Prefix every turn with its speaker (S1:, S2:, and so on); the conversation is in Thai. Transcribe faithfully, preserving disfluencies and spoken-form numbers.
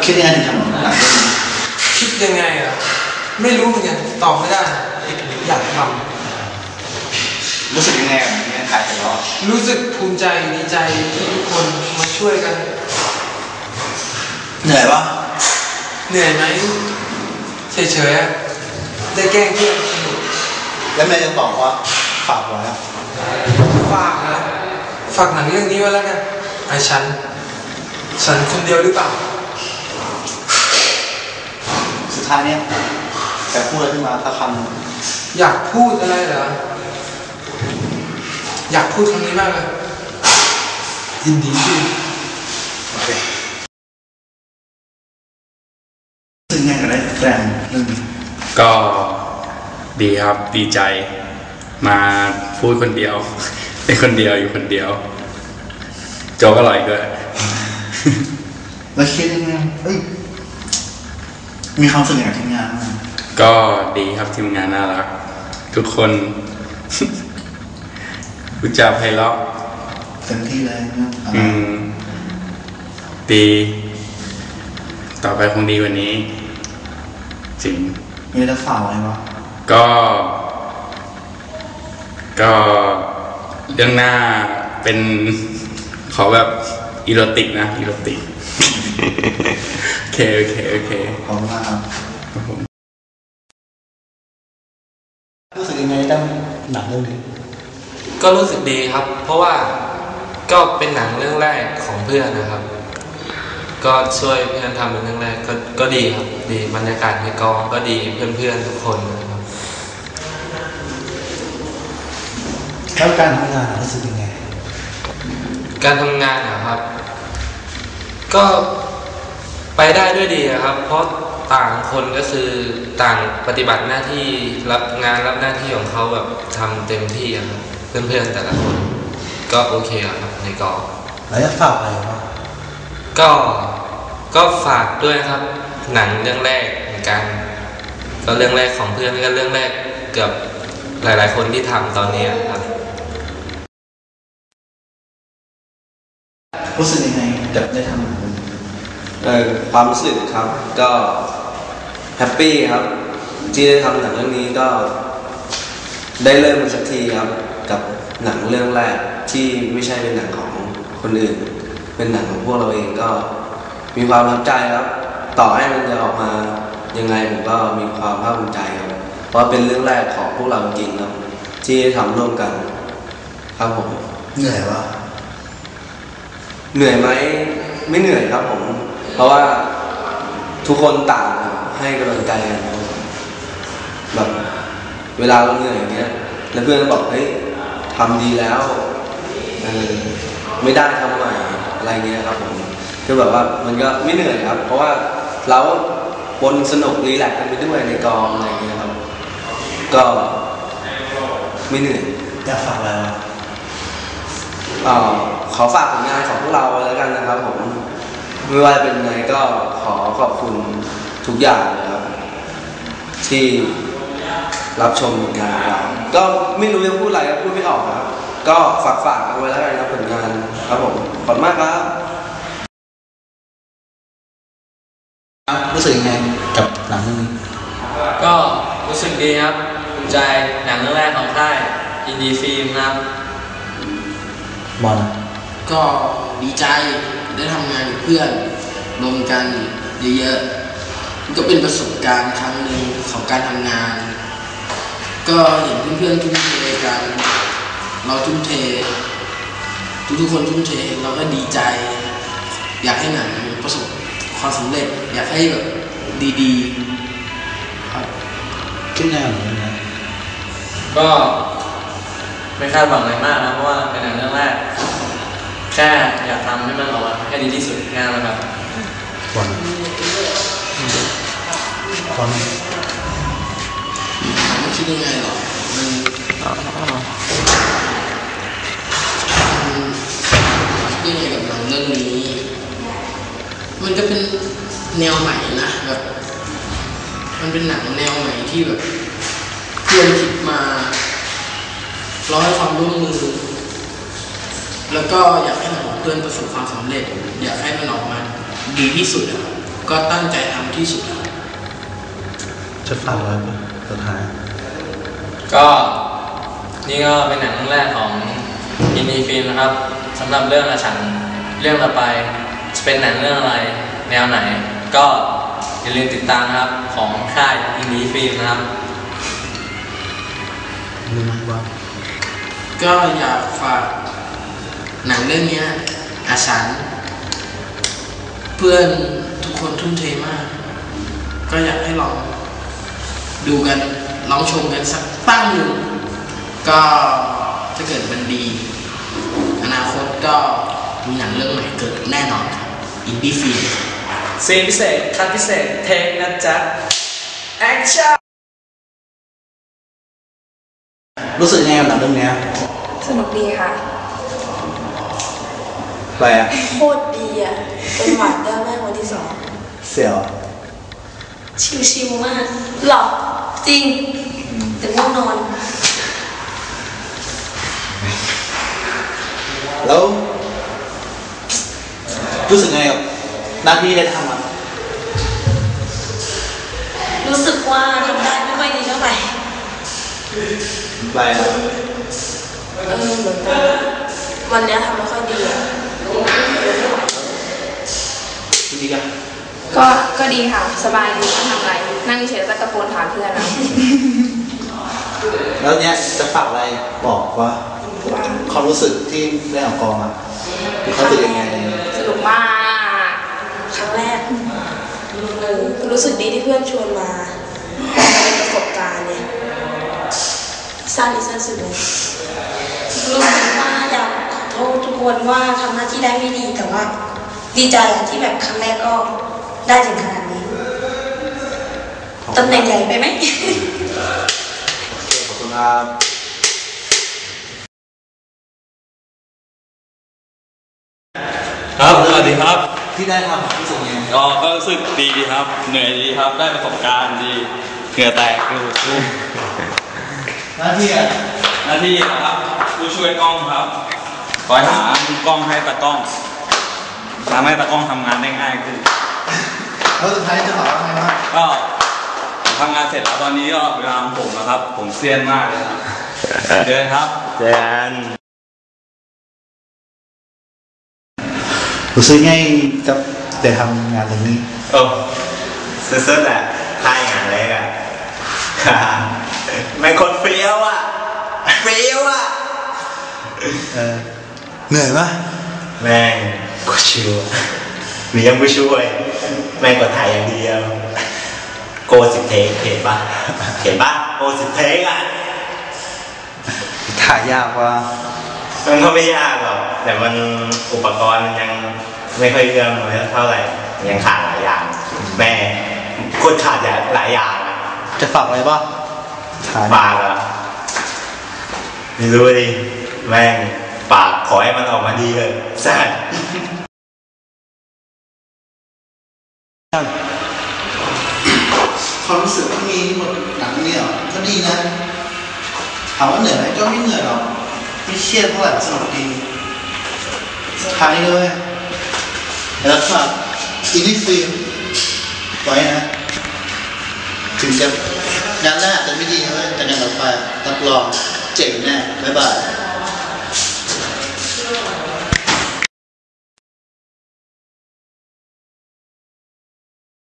S1: คิดยังไงถึงทำหนังเรื่องนี้
S2: คิดยังไงอ่ะไม่รู้เหมือนกันตอบไม่ได้อยากท
S1: ำรู้สึกยังไงกับงานถ่ายไปแล้ว
S2: รู้สึกภูมิใจดีใจที่ทุกคนมาช่วยกัน
S1: เหนื่อยปะ
S2: เหนื่อยไหมเฉยๆได้แกล้งเพื่อนสนุก
S1: แล้วแม่ยังบอกว่าฝากไว้
S2: ฝากนะฝากหนังเรื่องนี้ไว้แล้วกันไอ้ฉันฉันคนเดียวหรือเปล่า
S1: สุดท้ายเนี้ยแต่พูดอะไรขึ้นมาสักคำ
S2: อยากพูดอะไรเหรออยากพูดคำนี้มากเลยยินดีที่
S1: โอเคซึ่งไงกันได้แฟนเรื่องนี้
S3: ก็ดีครับดีใจมาพูดคนเดียวเป็นคนเดียวอยู่คนเดียวโจ๊กอร่อยด้วย
S1: แล้วคิดยังไงเอ้ยมีความสุขกับทีมงาน
S3: ก็ดีครับทีมงานน่ารักทุกคนพูดจาไพเราะ
S1: เต็มที่เลย
S3: อืมดีต่อไปคงดีกว่านี้จริง
S1: มีอะไรฝากอะไรวะ
S3: ก็ก็เรื่องหน้าเป็นขอแบบอีโรติกนะอีโรติกโอเคโอเคโอเค
S1: ขอบคุณมากครับรู้สึกยังไงตั้งหนังเรื่องนี้
S4: ก็รู้สึกดีครับเพราะว่าก็เป็นหนังเรื่องแรกของเพื่อนนะครับก็ช่วยเพื่อนทำเป็นเรื่องแรกก็ก็ดีครับดีบรรยากาศในกองก็ดีเพื่อนๆทุกคนนะครับ
S1: แล้วการทำงานรู้สึกยังไง
S4: การทำงานนะครับก็ไปได้ด้วยดีครับเพราะต่างคนก็คือต่างปฏิบัติหน้าที่รับงานรับหน้าที่ของเขาแบบทำเต็มที่ครับเพื่อนๆแต่ละคนก็โอเคครับในกอง
S1: แล้วจะฝากอะไรบ้าง
S4: ก็ก็ฝากด้วยครับหนังเรื่องแรกเหมือนกันก็เรื่องแรกของเพื่อนก็เรื่องแรกเกือบหลายๆคนที่ทำตอนนี้ครับ
S1: รู้สึกยังไงกับได้ทำ
S5: เออความรู้สึกครับก็แฮปปี้ครับที่ได้ทำหนังเรื่องนี้ก็ได้เริ่มสักทีครับกับหนังเรื่องแรกที่ไม่ใช่เป็นหนังของคนอื่นเป็นหนังของพวกเราเองก็มีความประทับใจครับต่อให้มันจะออกมายังไงผมก็มีความภาคภูมิใจครับเพราะเป็นเรื่องแรกของพวกเราจริงครับที่ทำร่วมกันครับผม
S1: เหนื่อยวะ
S5: เหนื่อยไหมไม่เหนื่อยครับผมเพราะว่าทุกคนต่างให้กำลังใจกันแบบเวลาเราเหนื่อยอย่างเงี้ยแล้วเพื่อนก็บอกเฮ้ยทำดีแล้วเออไม่ได้ทำใหม่อะไรเงี้ยครับผมคือแบบว่ามันก็ไม่เหนื่อยครับเพราะว่าเราบนสนุกรีแลกซ์กันไปด้วยในกองอะไรเงี้ยครับก็ไม่เหนื่อย
S1: อยากฝากอะไร
S5: อ๋อขอฝากผลงานของพวกเราแล้วกันนะครับผมไม่ว่าเป็นไงก็ขอขอบคุณทุกอย่างนะครับที่รับชมผลงานของเราก็ไม่รู้จะพูดอะไรก็พูดไม่ออกครับก็ฝากฝากเอาไว้แล้วกันนะผลงานครับผมขอบคุณมากครับ
S1: รู้สึกยังไงกับหนังเรื่องนี้
S4: ก็รู้สึกดีครับภูมิใจหนังเรื่องแรกของค่ายอินดี้ฟิล์มครับ
S1: บอล
S6: ก็ดีใจได้ทำงานกับเพื่อนรวมกันเยอะๆก็เป็นประสบการณ์ครั้งหนึ่งของการทำงานก็เห็นเพื่อนๆทุ่มเทกันเราทุ่มเททุกๆคนทุ่มเทเราก็ดีใจอยากให้หนังประสบความสำเร็จอยากให้แบบดีๆครับ
S1: คิดแน่เหมือนกันนะ
S4: ก็ไม่คาดหวังอะไรมากนะเพราะว่าเป็นหนังเรื่องแรกแค่อยากทำให้มันออกมาให้ดีที่สุดงานแล้วครับ
S1: บอลบอล
S6: ไม่คิดยังไงหรอมันคิดยังไงกับหนังเรื่องนี้มันก็เป็นแนวใหม่นะแบบมันเป็นหนังแนวใหม่ที่แบบเพื่อนคิดมาร้อยความร่วมมือแล้วก็อยากให้หนังเพื่อนประสบความสำเร็จอยากให้มันออกมาดีที่สุดครับก็ตั้งใจทำที่สุดครับ
S1: จะฝากไว้ปะสุดท้าย
S4: ก็นี่ก็เป็นหนังเรื่องแรกของอินดี้ฟิล์มนะครับสำหรับเรื่องอาฉันเรื่องต่อไปจะเป็นหนังเรื่องอะไรแนวไหน ก็อย่าลืมติดตามนะครับของค่ายอินดี้ฟิล์มนะครับ
S1: รู้ไหมว่า
S6: ก็อยากฝากหนังเรื่องนี้อาฉันเพื่อนทุกคนทุ่มเทมาก ก็อยากให้ลองดูกันลองชมกันสักตั้งหนึ่งก็ถ้าเกิดมันดีอนาคตก็มีหนังเรื่องใหม่เกิดแน่นอนครับอินดี้ฟิล์ม
S2: ซีนพิเศษคัดพิเศษเทคนะจ๊ะแอคชั่น
S1: รู้สึกยังไงกับหนังเรื่องเนี้ย
S7: สนุกดีค่ะ
S1: อะไรอะ
S7: โคตรดีอ่ะ เป็นหวานได้แม่คนที่สอง
S1: เสียว
S7: ชิวๆมาก หรอ จริง แต่ง่วงนอน
S1: แล้วรู้สึกไงกับหน้าที่ได้ทำอ่ะ
S7: รู้สึกว่าทำได้ไม่ค่อยดีเท่าไหร่
S1: อะไรอะ
S7: เออเหมือนกันวันเนี้ยทำไม่ค่อยดีอ่ะ
S1: จริงๆอะ
S8: ก็ ก็ดีค่ะ สบายดีไม่ทำอะไร นั่งเฉยๆแล้วก็ตะโกนถามเพื่อนนะ
S1: แล้วเนี้ยจะฝากอะไรบอกว่าความรู้สึกที่ได้ออกกองอ่ะเขารู้สึกยังไง
S8: สนุกมาก
S7: ครั้งแรกเออรู้สึกดีที่เพื่อนชวนมาเป็นประสบการณ์เนี่ยสั้นอีสั้นสุดเลยรู้สึกว่าอยากขอโทษทุกคนว่าทำหน้าที่ได้ไม่ดีแต่ว่าดีใจอะที่แบบครั้งแรกก็ได้ถึงขนาดนี้ตำแหน่งใหญ่ไปไหม
S1: ขอบคุณครับ
S9: ครับสวัสดีครับ
S1: ที่ได้ทำรู้สึกยังไง
S9: ก็ก็รู้สึกดีครับ เหนื่อยดีครับ ได้ประสบการณ์ดีเหงื่อแตกดูดู
S1: หน้าที่อ่ะ
S9: หน้าที่นะครับผู้ช่วยกล้องครับ คอยหามุมกล้องให้ตากล้องทำให้ตากล้องทำงานได้ง่ายขึ้น
S1: แล้วสุดท้ายจะบอกว่าไงบ้าง
S9: ก็ผมทำงานเสร็จแล้วตอนนี้ก็เวลาของผมแล้วครับ ผมเซียนมากเลยครับเจอครับ
S3: เจน
S1: รู้สึกไงกับได้ทำงานเรื่องนี้
S3: โอ้สุดๆแหละค่ายงานเล็กอ่ะ ไม่คนเฟี้ยวอ่ะเฟี้ยวอ่ะ
S1: เออเหนื่อยปะ
S3: แม่งกูชิวอะมียังไม่ช่วยแม่งกดถ่ายอย่างเดียวโกสิบเทคเห็นปะเห็นปะโกสิบเทคอ่ะ
S1: ถ่ายยากว่า
S3: มันก็ไม่ยากหรอกแต่มันอุปกรณ์มันยังไม่ค่อยเอื้อมเลยเท่าไหร่ยังขาดหลายอย่างแม่โคตรขาดอย่างหลายอย่างอะ
S1: จะฝากอะไรปะถ่าย
S3: ปากอะไม่รู้ดิแม่งปากขอให้มันออกมาดีเลยสัส
S1: ความรู้สึกที่มีหมดหนังนี่เหรอก็ดีนะถามว่าเหนื่อยไหมก็ไม่เหนื่อยหรอกไม่เครียดเท่าไหร่สนุกดีสุดท้ายเลยแล้วฝากอินดี้ฟิล์มไว้นะถึงจะงานแรกอาจจะไม่ดีเลยแต่งานต่อไปรับรองเจ๋งแน่บ๊ายบาย